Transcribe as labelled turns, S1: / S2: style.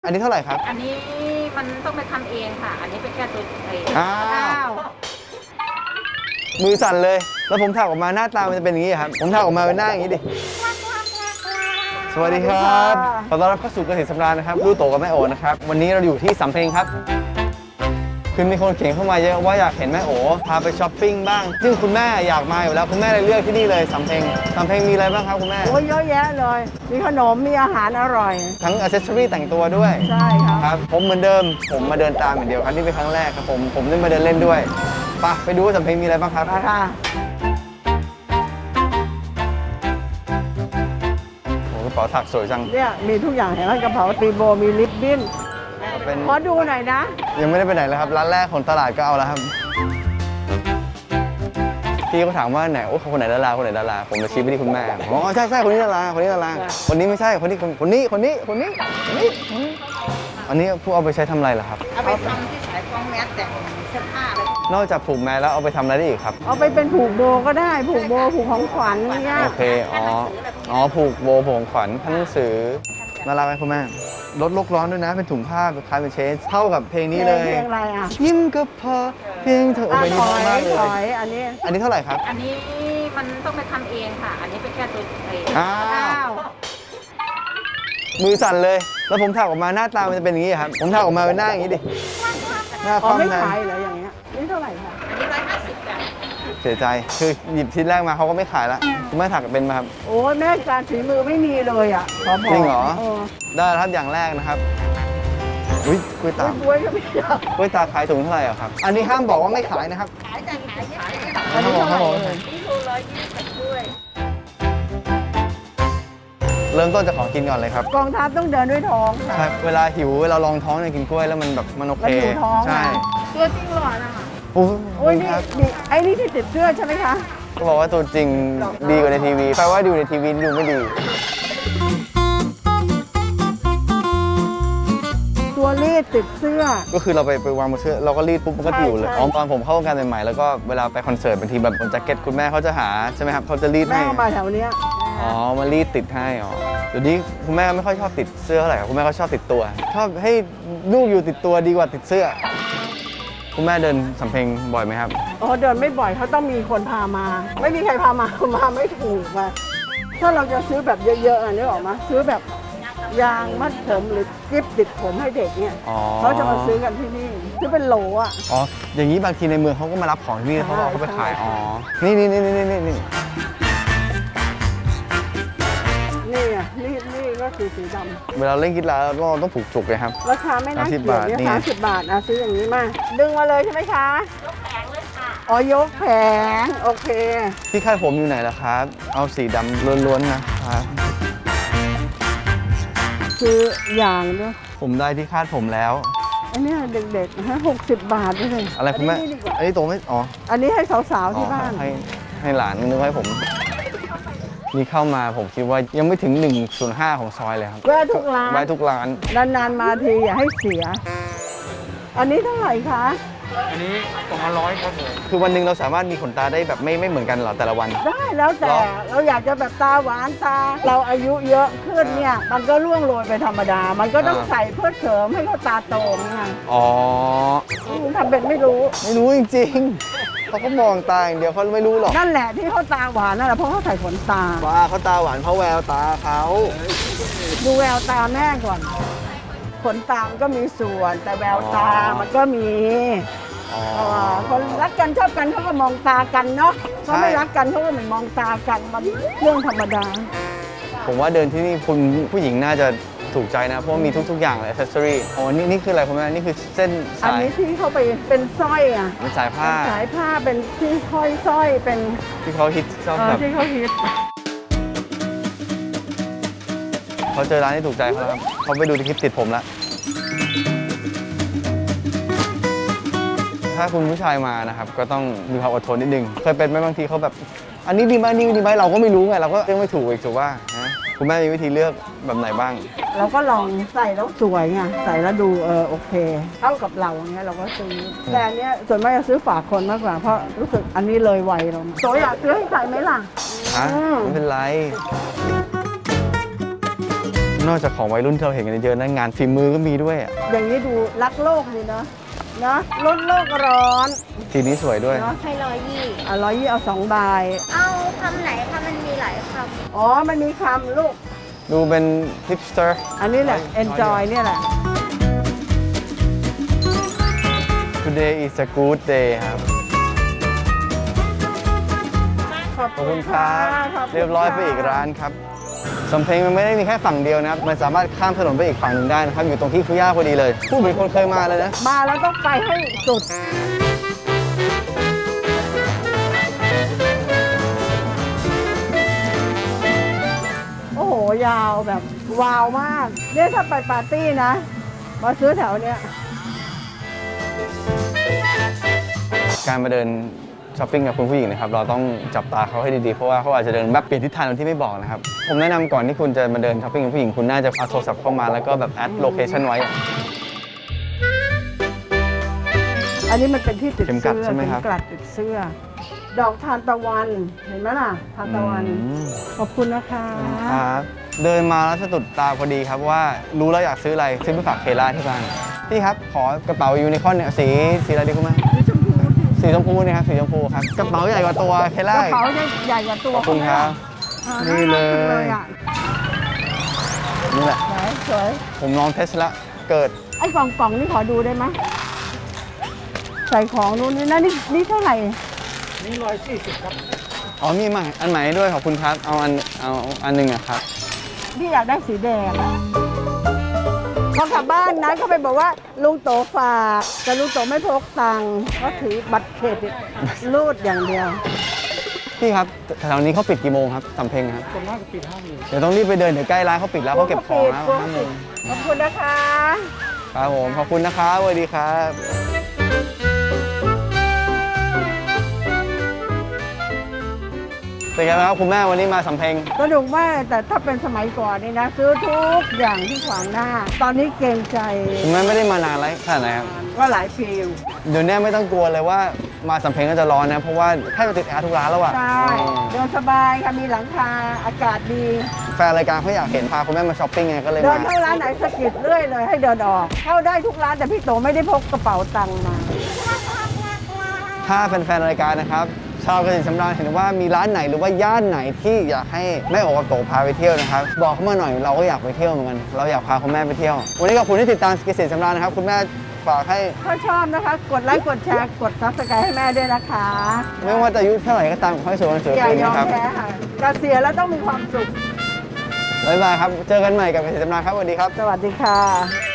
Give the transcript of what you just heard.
S1: อันนี้เท่าไหร่ครับ
S2: อันนี้มันต้องไปทำเองค่ะ อันนี้เป็นแค่ตัวเอง
S1: อ้าวมือสั่นเลย แล้วผมถักออกมาหน้าตามันจะเป็นอย่างนี้ครับ ผมถักออกมาเป็นหน้าอย่างนี้ดิ สวัสดีครับขอต้อนรับเข้าสู่เกษตรสำราญนะครับลูกโตกับแม่โอนะครับ วันนี้เราอยู่ที่สำเพ็งครับ คือมีคนเขียนเข้ามาเยอะว่าอยากเห็นแม่โอพาไปช้อปปิ้งบ้าง ซึ่งคุณแม่อยากมาอยู่แล้วคุณแม่เลยเลือกที่นี่เลยสำเพ็งมีอะไรบ้างครับคุณแม่
S3: โอ้ยเยอะแยะเลย มีขนม มีอาหารอร่อย
S1: ทั้งอิเซอรี่แต่งตัวด้วย
S3: ใช่ครับ
S1: ครับผมเหมือนเดิมผมมาเดินตามอย่างเดียวครับนี่เป็นครั้งแรกครับผมได้มาเดินเล่นด้วยไปดูว่าสำเพ็งมีอะไรบ้างครับ
S3: มาค่ะ
S1: โอ้กระเป๋าถักสวยจัง
S3: เนี่ยมีทุกอย่างเห็นไหมกระเป๋าตีโบ มีลิปบิ้น
S1: เป็น
S3: ขอดูหน่อยนะ
S1: ยังไม่ได้ไปไหนเลยครับร้านแรกของตลาดก็เอาแล้วครับพี่เขาถามว่าไหนโอ้คนไหนดาราคนไหนดาราผมจะชี้ไปที่คุณแม่อ๋อใช่คนนี้ดาราคนนี้ไม่ใช่คนนี้อันนี้ผู้เอาไปใช้ทำอะไรล่ะครับ
S2: เอาไปทำที่สายฟองแมสแต่งเสื้อผ้าเลย
S1: นอกจากผูกแมสแล้วเอาไปทำอะไรได้อีกครับ
S3: เอาไปเป็นผูกโบก็ได้ ผูกโบ ผูกของขวัญเนี่ย
S1: โอเคอ๋อผูกโบผูกของขวัญท่านหนังสือน่ารักไหมคุณแม่ลดโลกร้อนด้วยนะเป็นถุงผ้าเป็นคล้ายเป็นเชสเท่ากับเพลงนี้เลย
S3: เพลงอะไรอ่ะ
S1: ยิ้มก็พอเพียงเธอเอาไปนี่
S3: ถ
S1: เพ
S3: อ
S1: ราะ
S3: ย
S1: มากเลย
S3: ถอยอันนี้
S1: อันนี้เท่าไหร่ครับ
S2: อันนี้มันต้องไปทำเองค่ะ อันนี้เป็นแค่ตัวเอง
S1: อ้าวมือสั่นเลย แล้วผมถักออกมาหน้าตามันจะเป็นอย่างนี้ครับผมถักออกมาเป็นหน้าอย่างนี้ดิหน้าค
S3: อ๋อ
S1: ว่ำ
S3: ไม่
S1: หน้า
S3: ขายเหรออย่างเงี้ย นี่เท่าไหร่คะ
S2: อันนี้150จ้ะ
S1: เสียใจคือหยิบชิ้นแรกมาเขาก็ไม่ขายละคุณแม่ถักเป็นไหมครับ
S3: โอ้ยแม่การฝีมือไม่มีเลยอ่ะ ขอบอก
S1: จริงเหรอ
S3: เออ
S1: ได้แล้วครับอย่างแรกนะครับอุ้ยกล้วยตาก
S3: บวยก็ไม่ได้
S1: กล้วยตากขายถุงเท่าไหร่อะครับอันนี้ห้ามบอกว่าไม่ขายนะครับ
S2: ขายแต่ขายขาย
S3: อันนี้เท่าไหร่เลย
S2: นี่โล120ด้วย
S1: เริ่มต้นจากของกินก่อนเลยครับ
S3: กองทัพต้องเดินด้วยท้องค่ะ
S1: ครับเวลาหิวเวลาลองท้องเนี่ยกินกล้วยแล้วมันแบบมันโอเค
S3: มันอยู่ท้อง
S1: ใช่
S3: อะ
S2: ตัวจริงหล่อนะคะ
S1: โอ้
S3: โอ้ย
S1: ย
S3: นี่
S1: ครับ
S3: นี่ไอ้นี่ที่ติดเสื้อใช่ไหมคะ
S1: ก็บอกว่าตัวจริงดีกว่าในทีวีแปลว่าดูในทีวีดูไม่ดี
S3: ตัวรีดติดเสื้อ
S1: ก็คือเราไปวางบนเสื้อเราก็รีดปุ๊บมันก็อยู่เลย
S3: ใช่
S1: อ๋อตอนผมเข้าวงการใหม่ๆแล้วก็เวลาไปคอนเสิร์ตบางทีแบบบนแจ็คเก็ตคุณแม่เขาจะหาใช่ไหมครับเขาจะรีด
S3: แม่
S1: ให้
S3: เอามาแถวเนี้ย
S1: อ๋อมารีดติดให้อ๋อเดี๋ยวนี้คุณแม่ไม่ค่อยชอบติดเสื้อเท่าไหร่ครับคุณแม่เขาชอบติดตัวชอบให้ลูกอยู่ติดตัวดีกว่าติดเสื้อ คุณแม่เดินสำเพ็งบ่อยไหมครับ
S3: อ๋อเดินไม่บ่อยเขาต้องมีคนพามา ไม่มีใครพามา มาไม่ถูกมาถ้าเราจะซื้อแบบเยอะๆอ่ะนึกออกมาซื้อแบบยางมัดผมหรือกิ๊บติดผมให้เด็กเนี่ย
S1: อ๋อ
S3: เขาจะมาซื้อกันที่นี่ซื้อเป็นโหลอ่ะ
S1: อ๋ออย่างนี้บางทีในเมืองเขาก็มารับของที่นี่เขาก็เอาไปขายอ๋อนี่
S3: นี่อ่ะนี่ก็คือสีดำ
S1: เวลาเล่นกีฬาเราต้องผูกจุกเลยครับ
S3: ราคาไม่น่าเกลียดเนี่ย
S1: 30 บาท
S3: 30 บาทอ่ะซื้ออย่างนี้มาดึงมาเลยใช่ไหมคะ
S2: ยกแผงเลยค่ะ
S3: อ๋อยกแผงโอเค
S1: ที่คาดผมอยู่ไหนล่ะครับ เอาสีดำล้วนๆนะครับ
S3: คืออย่างด้วย
S1: ผมได้ที่คาดผมแล้ว
S3: อันเนี้ยเด็กๆฮะ60 บาทด้วยเลย
S1: อะไรคุณแม่
S3: นนี้ดีกว่า
S1: อันนี้โตไม่อ๋อ
S3: อันนี้ให้สาวๆที่บ้าน
S1: ให้หลานนึกให้ผม นี่เข้ามาผมคิดว่ายังไม่ถึง 1/5 ของซอยเลยครับ
S3: แวะทุกร้าน
S1: แวะทุกร้าน
S3: นานๆมาทีอย่าให้เสีย อันนี้เท่าไหร่คะ
S4: อันนี้200ครับผม
S1: คือวันหนึ่งเราสามารถมีขนตาได้แบบไม่เหมือนกันเหรอแต่ละวัน
S3: ได้แล้วแต่
S1: เหรอ
S3: เราอยากจะแบบตาหวานตา เราอายุเยอะขึ้นเนี่ย มันก็ร่วงโรยไปธรรมดา มันก็ต้องใส่เพื่อเสริมให้เขาตาโตไง
S1: อ๋อ
S3: ทำเป็นไม่รู้
S1: ไม่รู้จริงๆเขาก็มองตาอย่างเดียวเขาไม่รู้หรอก
S3: นั่นแหละที่เขาตาหวานนั่นแหละเพราะเขาใส่ขนตา
S1: ว่าเขาตาหวานเพราะแววตาเขา
S3: ดูแววตาแม่ก่อน ขนตามันก็มีส่วน แต่แววตามันก็มี
S1: อ๋อ
S3: คนรักกันชอบกันเขาก็มองตากันเนาะเขาไม่รักกันเขาก็ไม่มองตากันมันเรื่องธรรมดา
S1: ผมว่าเดินที่นี่คุณผู้หญิงน่าจะถูกใจนะ เพราะว่ามีทุกๆอย่างเลย accessory อ๋อนี่คืออะไรคุณแม่นี่คือเส้น
S3: อัน
S1: สาย
S3: นี้ที่เขาไปเป็นสร้อยอ่ะ
S1: เป็นสายผ้า
S3: สายผ้าเป็นที่ห้อยสร้อยเป็น
S1: ที่เขาฮิตชอบแบบ
S3: ที่เขาฮิต
S1: เขาเจอร้านที่ถูกใจเขาแล้วครับเขาไปดูในคลิปติดผมแล้วถ้าคุณผู้ชายมานะครับก็ต้องมีความอดทนนิดนึงเคยเป็นไหมบางทีเขาแบบ อันนี้ดีไหมนี่ดีไหมเราก็ไม่รู้ไงเราก็เลือกไม่ถูกอีกถูกว่านะคุณแม่มีวิธีเลือกแบบไหนบ้าง
S3: เราก็ลองใส่แล้วสวยไงใส่แล้วดูโอเคเข้ากับเราอย่างเงี้ยเราก็ซื้อแต่อันเนี้ยส่วนมากจะซื้อฝากคนมากกว่าเพราะรู้สึกอันนี้เลยวัยเราโสอยากซื้อให้ใครไหมล่ะ
S1: ฮะ
S3: อืม
S1: ไม่เป็นไรนอกจากของวัยรุ่นที่เราเห็นกันเยอะนะงานฝีมือก็มีด้วยอะ
S3: อย่างนี้ดูรักโลกดีเนาะนะลดโลกร้อน
S1: สีนี้สวยด้วย
S3: เนาะ
S2: ให้120
S3: 120เอา2ใบ
S2: เอาคำไหนคะมันมีหลายค
S3: อ๋อ มันมีคำลูก
S1: ดูเป็นฮิปสเตอร์
S3: อันนี้แหละ enjoy เนี่ยแหละ
S1: Today is a good day ครับ ขอบคุณครับ
S3: ขอบคุณ
S1: เรียบร้อยไปอีกร้านครับสำเพ็งมันไม่ได้มีแค่ฝั่งเดียวนะครับ มันสามารถข้ามถนนไปอีกฝั่งหนึ่งได้นะครับ อยู่ตรงที่คุย่าพอดีเลย ผู้เป็นคนเคยมาเลยนะ
S3: มาแล้วต้องไปให้สุด โอ้โห ยาวแบบวาวมาก เนี่ยถ้าไปปาร์ตี้นะ มาซื้อแถวเนี้ย
S1: การมาเดินช้อปปิ้งกับคุณผู้หญิงนะครับ เราต้องจับตาเขาให้ดีๆ เพราะว่าเขาอาจจะเดินแบบเปลี่ยนทิศทางโดยที่ไม่บอกนะครับ ผมแนะนำก่อนที่คุณจะมาเดินช้อปปิ้งกับผู้หญิงคุณน่าจะเอาโทรศัพท์เข้ามาแล้วก็แบบแอดโลเคชั่นไว้
S3: อันนี้มันเป็นที่ติด
S1: เข็มกลั
S3: เสื้
S1: ด
S3: อ
S1: ใช่ไหมครับ
S3: เข็มกลัดติดเสื้อ ดอกทานตะวัน เห็นไหมล่ะ ทานตะวัน
S1: อืม
S3: ขอบคุณนะคะ
S1: ครับเดินมาแล้วสะดุดตาพอดีครับว่ารู้แล้วอยากซื้ออะไรซื้อไปฝากเคล่าที่บ้านพี่ครับขอกระเป๋ายูนิคอร์นเนี่ยสีอะไรดีคุณแม่สีชมพูเนี่ยครับสีชมพูครับกระเป๋าใหญ่กว่าตัวเค
S3: ก
S1: ล่า
S3: ระเป๋าใหญ่กว่าตัว
S1: ขอบคุณครับ
S3: อ่า
S1: นี่เลย
S3: น่ารักจังอะ
S1: นี่แหละ
S3: ไหนสวย
S1: ผมลองเทสละเกิด
S3: ไอ้กล่องนี่ขอดูได้ไหมใส่ของนู้นนี่นะนี่เท่าไหร่
S4: นี่140ครับ
S1: อ๋อมีใหม่อันใหม่ด้วยขอบคุณครับเอาอันหนึ่งอะครับ
S3: พี่อยากได้สีแดงอะพอกลับบ้านนะเขาไปบอกว่าลุงโตฝากแต่ลุงโตไม่พกตังค์เขาถือบัตรเครดิตรูดอย่างเดียว
S1: พี่ครับแถวนี้เขาปิดกี่โมงครับสำเพ็งครับ
S4: ส่วนมากจะปิด5 โมง
S1: เดี๋ยวต้องรีบไปเดินเดี๋ยวใกล้ร้านเขาปิดแล้วเขาเก็บของแล้ว
S3: กลัว
S1: 5 โม
S3: ปิด
S1: ง
S3: ขอบคุณนะคะ
S1: ครับผมขอบคุณนะครับสวัสดีครับ เป็นไงบ้างครับคุณแม่วันนี้มาสำเพ็ง
S3: สนุกมากแต่ถ้าเป็นสมัยก่อนนี่นะ ซื้อทุกอย่างที่ขวางหน้า ตอนนี้เกรงใจ
S1: คุณแม่ไม่ได้มานานไรขนาดไหนครับ
S3: ก็หลายปีอยู่
S1: เดี๋ยวนี้ไม่ต้องกลัวเลยว่ามาสำเพ็งก็จะร้อนนะ เพราะว่าแทบจะติดแอร์ทุกร้านแล้วอะ
S3: ใช่เดินสบายค่ะมีหลังคาอากาศดี
S1: แฟนรายการเขาอยากเห็นพาคุณแม่มาช้อปปิ้งไงก็เลย
S3: เดิน
S1: มา
S3: เข้าร้านไหนสะกิดเรื่อยเลยให้เดินออก เข้าได้ทุกร้านแต่พี่โตไม่ได้พกกระเป๋าตังค์มา
S1: ถ้าแฟนๆรายการนะครับ ชาวเกษตรสำราญเห็นว่ามีร้านไหนหรือว่าย่านไหนที่อยากให้แม่โอกับโตพาไปเที่ยวนะครับ บอกเข้ามาหน่อยเราก็อยากไปเที่ยวเหมือนกันเราอยากพาคุณแม่ไปเที่ยว วันนี้ขอบคุณที่ติดตามเกษตรสำราญนะครับคุณแม่ฝากให้
S3: ถ้าชอบนะคะ กดไลค์กดแชร์กดซับสไครต์ให้แม่ด้วยนะคะ
S1: ไม่ว่าจะอายุเท่าไหร่ก็ตามขอให้สวยวันสวย
S3: อย่า
S1: ปี
S3: ยอม
S1: นะครับ
S3: แพ้ค่ะเกษียณแล้วต้องมีความสุข
S1: บ๊ายบายครับเจอกันใหม่กับเกษตรสำราญครับสวัสดีครับ
S3: สวัสดีค่ะ